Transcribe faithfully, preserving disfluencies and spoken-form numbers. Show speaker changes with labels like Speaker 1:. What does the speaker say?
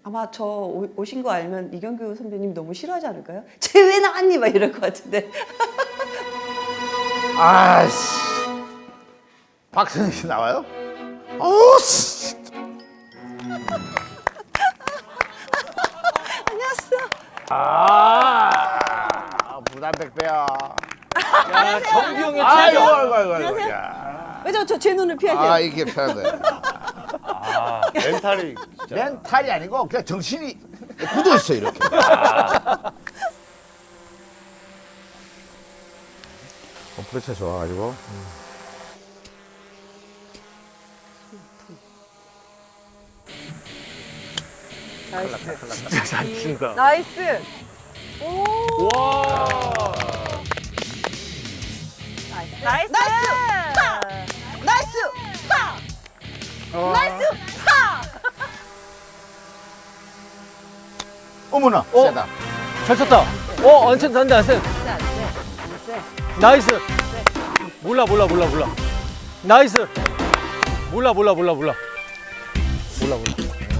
Speaker 1: 아마 저 오- 오신 거 알면 이경규 선배님 너무 싫어하지 않을까요? 쟤 왜 나왔니? 막 이럴 것 같은데.
Speaker 2: 아씨. 박선희 씨 나와요? 어우 씨.
Speaker 1: 안녕하세요.
Speaker 2: 아, 부담백배야.
Speaker 3: 야, 정기 형의
Speaker 2: 아이고,
Speaker 3: 최저.
Speaker 2: 아이고, 아이고, 아이고. 야.
Speaker 1: 왜 저 저 제 눈을 피하세요?
Speaker 2: 아, 이게 편한데.
Speaker 3: 아, 멘탈이 진짜.
Speaker 2: 멘탈이 아니고 그냥 정신이 굳어 있어 이렇게. 컴프레셔 좋아가지고.
Speaker 3: 진짜 잘 친다.
Speaker 4: 나이스.
Speaker 3: 와.
Speaker 4: 나이스.
Speaker 1: 나이스! 나이스! 파! 나이스! 파!
Speaker 2: 어머나,
Speaker 3: 어?
Speaker 2: 세다.
Speaker 3: 잘 쳤다. 어, 안 쳤다, 안 돼, 안 돼. 나이스. 몰라, 몰라, 몰라, 몰라. 나이스. 몰라, 몰라, 몰라, 몰라. 몰라, 몰라.